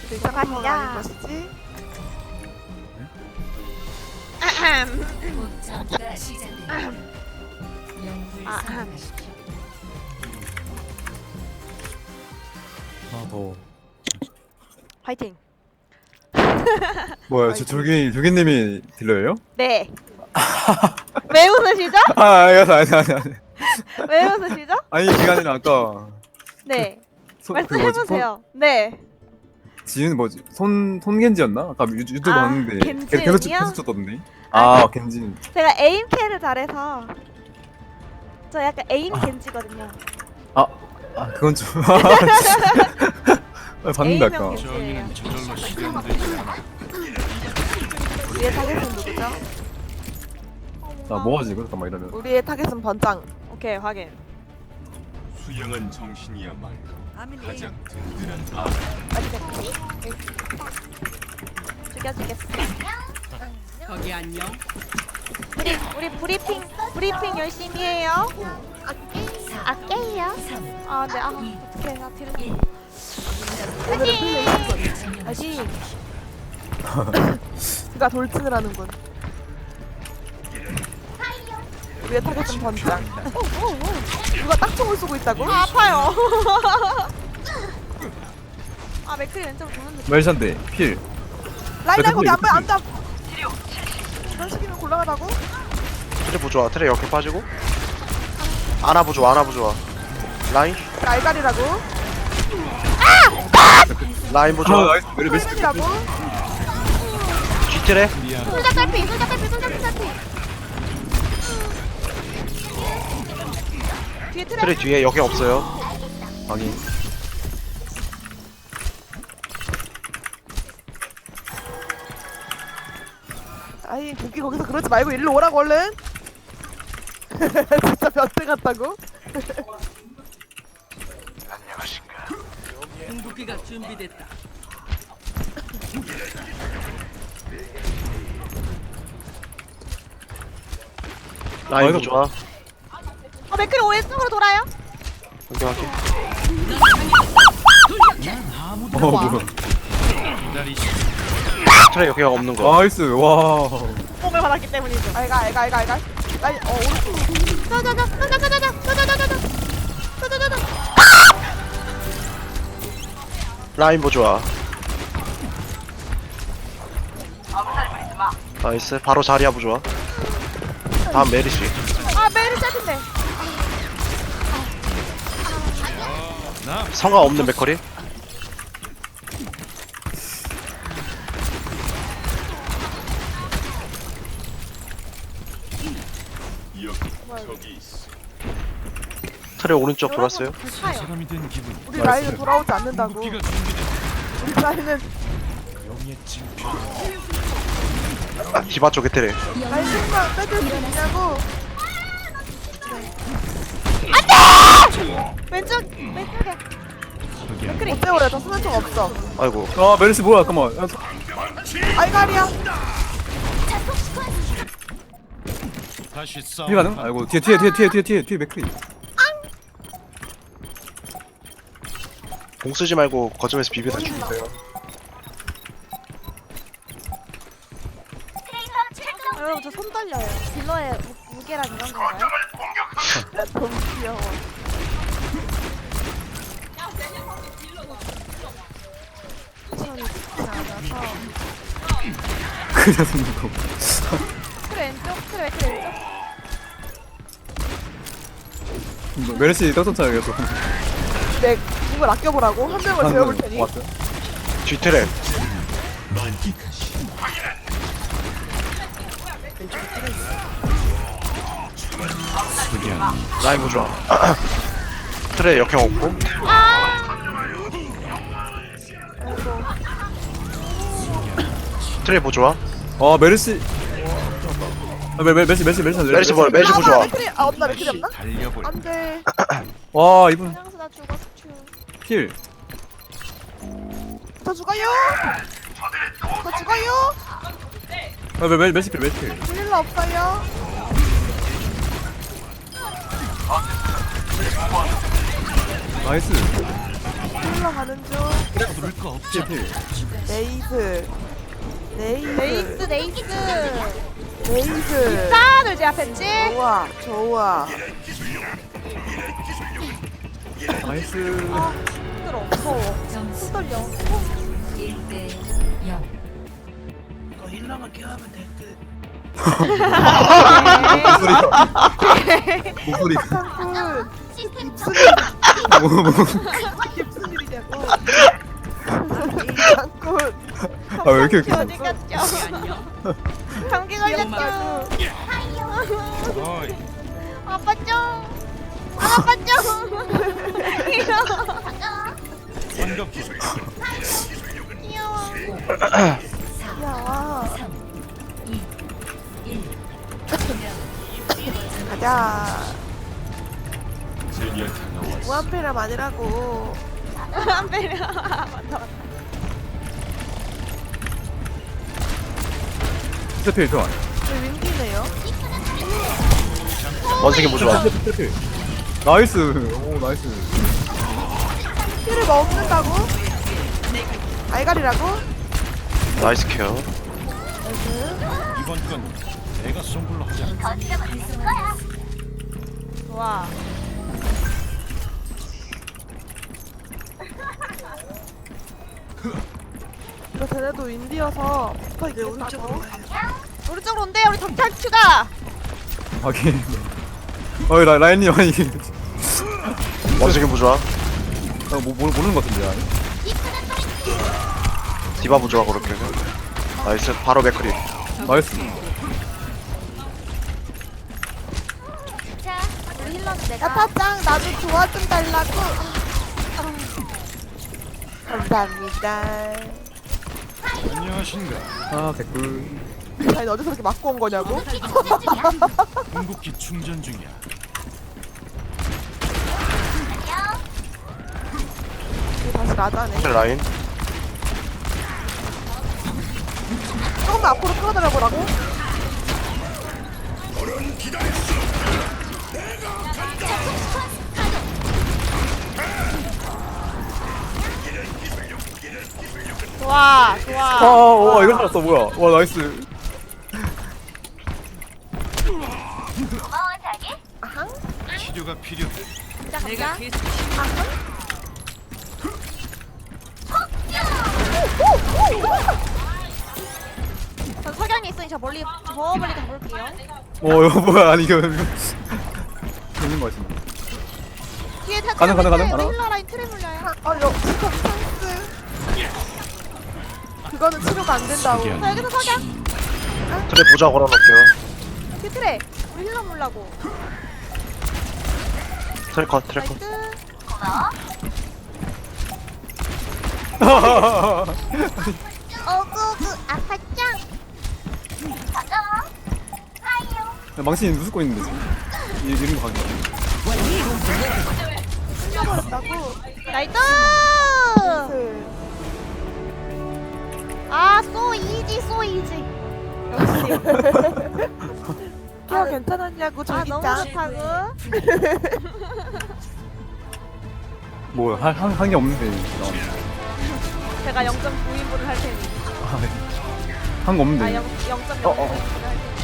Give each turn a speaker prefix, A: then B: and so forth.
A: 들썩한 건 아닌 것이지?
B: 전투가 시작됩니다. 영웅을 선택하십시오.
C: 아 더워.
A: 화이팅.
C: 뭐야 저 조기님이 딜러예요?
A: 네. 왜 웃으시죠?
C: 아니.
A: 왜 웃으시죠?
C: 아니 그게 아니라 아까
A: 네.
C: 그
A: 말씀해보세요. 네.
C: 지은 뭐지 손겐지였나? 아까 유튜브
A: 아,
C: 봤는데
A: 겐지은이요?
C: 계속 쳤던데.
A: 아,
C: 겐지.
A: 제가 에임 캐를 잘해서 저 약간 에임 겐지거든요.
C: 그건 좀 봤는데 아까.
A: 에임형 겐지예요. 우리의 타겟은 누구죠?
C: 나 뭐하지 이거 잠깐만 이러면.
A: 우리의 타겟은 번장. 오케이 확인.
D: 수영은 정신이야말로 가장 든든한
A: 어디 죽여주겠어.
E: 거기 안녕.
A: 우리 브리핑 열심히 해요. 아깨요. 아 네. 어떡해 나 뒤로. 아직. 그가 돌진을 하는군. 우리의 타겟은 번장. 누가 딱총을 쏘고 있다고? 아파요. 아 맥클이 왼쪽으로 도는데.
C: 멜샨데 필.
A: 라인 거기 안 봐, 안 봐. 이런 식이면 곤란하다고?
F: 트레 부좋아. 트레 이렇게 빠지고. 아나 부좋아. 라인.
A: 알갈이라고?
F: 라인 부좋아.
C: 나이스. 멜시.
A: 헬멧이라고?
F: 뒤 트레.
A: 솔자 딸피. 뒤에 트랩.
F: 트레 뒤에 여기 없어요.
C: 확인.
A: 아이 고기 거기서 그러지 말고 일로 오라고 얼른. 진짜 변태 같다고?
E: 궁극기가 준비됐다.
F: 라인 부좋아.
A: 맥클이 왼쪽으로 돌아요.
F: 여기.
C: 뭐야.
F: 트레 여기가 없는 거.
C: 나이스. 와.
A: 뽕을 받았기 때문이죠. 알갈. 라인 오른쪽. 자자자.
F: 라인 부좋아. 나이스. 바로 자리야 부좋아. 다음 메리시.
A: 아 메리 짧은데.
F: 성가 없는 맥커리.
D: 여기 저기 있어.
F: 트레 오른쪽 돌았어요.
D: 사람이 된 기분.
A: 우리 라인은 돌아오지 않는다고.
D: 기가 준비됐다.
A: 우리 라인은
D: 영의 징표.
F: 디바 쪽에 트레.
A: 라인 좀만 빼줄 수 있냐고. 왼쪽에. 맥클이 어째 오래 저 쓰는 총 없어.
F: 아이고.
C: 멜시 뭐야 잠깐만.
A: 알갈이야.
D: 다시 싸.
C: 힐 가능? 아이고 뒤에 맥크리.
F: 공 쓰지 말고 거점에서 비비다 죽이세요.
A: 여러분 저 손 떨려요. 딜러의 무게랑 이런 건가요? 너무 귀여워. 손이 좋지 않아서.
C: 그냥 숨는 거.
A: 그래 왼쪽? 그래 왼쪽?
C: 멜시 떡떡 이겼어.
A: 네, 이걸 아껴보라고? 한 명을 재워볼 테니.
C: 왔어요?
F: 뒤 트레. 라인 부좋아. 트레 역행 없고. 트레 부좋아.
C: 멜시. 멜시
F: 메리시 볼 메리시 부좋아.
A: 맥크리, 없나? 맥크리 없나?
D: 달려볼.
A: 안 돼.
C: 와 이분
A: 장수 나 죽었어.
C: 힐.
A: 저 죽어요! 저 죽어요!
C: 멜시 필.
A: 힐러 없어요.
C: 나이스.
G: 흘러가는 중.
D: 부를 거 없지.
C: 필.
G: 네이스.
A: 네이스 네이스.
G: 네이스.
A: 싸들 제 앞에 있지?
G: 좋아, 좋아.
C: 나이스.
A: 힘들어 무서워.
B: 점수
A: 손 떨려.
B: 1대 0.
C: 목소리가.
G: 짱군. 무슨 일이냐고. 짱군.
C: 아, 왜 이렇게 웃기지?
A: 어디 갔죠? 감기 걸렸죠?
D: 어이,
A: 아빠 좀. 아빠 좀. 귀여워.
D: 반갑게.
A: 귀여워.
G: 야,
B: 3, 2, 1.
G: 가자. 무한패람 아니라고.
A: 안 배려. 맞다 맞다.
C: 진짜 필 좋아.
G: 왜 윈기네요?
F: 원숭이 부좋아.
C: 필. 나이스. 오, 나이스.
G: 피를 먹는다고? 알갈이라고?
F: 나이스 케어.
D: 이번 건 내가 선불로 하자.
A: 좋아.
G: 이거 쟤네도 윈디여서 붙어있게 오른쪽으로.
A: 오른쪽으로 온대. 우리 덕탈 추가.
C: 확인. 어이, 라인님, 아니.
F: 원숭이 부좋아.
C: 모르는 것 같은데, 아니?
F: 디바 부좋아 그렇게. 나이스. 바로 맥크리.
C: 나이스.
A: 자, 우리 힐러는 내가.
G: 야타짱 나도 도와 좀 달라고. 감사합니다.
D: 안녕하신가.
C: 아, 개꿀.
G: 아니 어디서 그렇게 맞고 온 거냐고?
D: 궁극기 충전 중이야.
G: 이게 다시 나자네.
F: 라인.
G: 조금 더 앞으로 끌어들여보라고?
A: 좋아,
C: 아,
A: 좋아.
C: 와, 이걸 살았어, 뭐야. 와, 나이스.
D: 치료가 필요해.
A: 자,
E: 내가
A: 가자.
E: 계속
A: 전 석양이 있으니 저 멀리 가볼게요.
C: 이거 뭐야. 아니, 이거. 재밌는 거 같은데.
A: 뒤에 다
C: 가능, 가능, 가능?
A: 우리
C: 알아?
A: 힐러 라인 틀에 물려요.
G: 여 진짜 찬스. 그거는 치료가 안 된다고.
D: 특이한
A: 자, 여기서 석양.
F: 트레 부좋아 걸어놓을게요.
A: 뒤 틀에. 우리 힐러 물라고.
F: 트레 컷, 트레 컷.
A: 나이스. 어구구 아파짱.
C: 망신이 누수고 있는데, 지금. 이런 거 가는
G: 흘려버렸다고.
A: 나이스.
G: 그,
A: 아, so easy, so easy. 역시.
G: 케어 괜찮았냐고
A: 아, 너무
G: 조기짱.
A: 좋다고.
C: 뭐야, 한 게 없는데. 나왔네.
A: 제가 0.9인분을 할 테니.
C: 한 거 없는데.
A: 아, 0.0인분을 할 테니.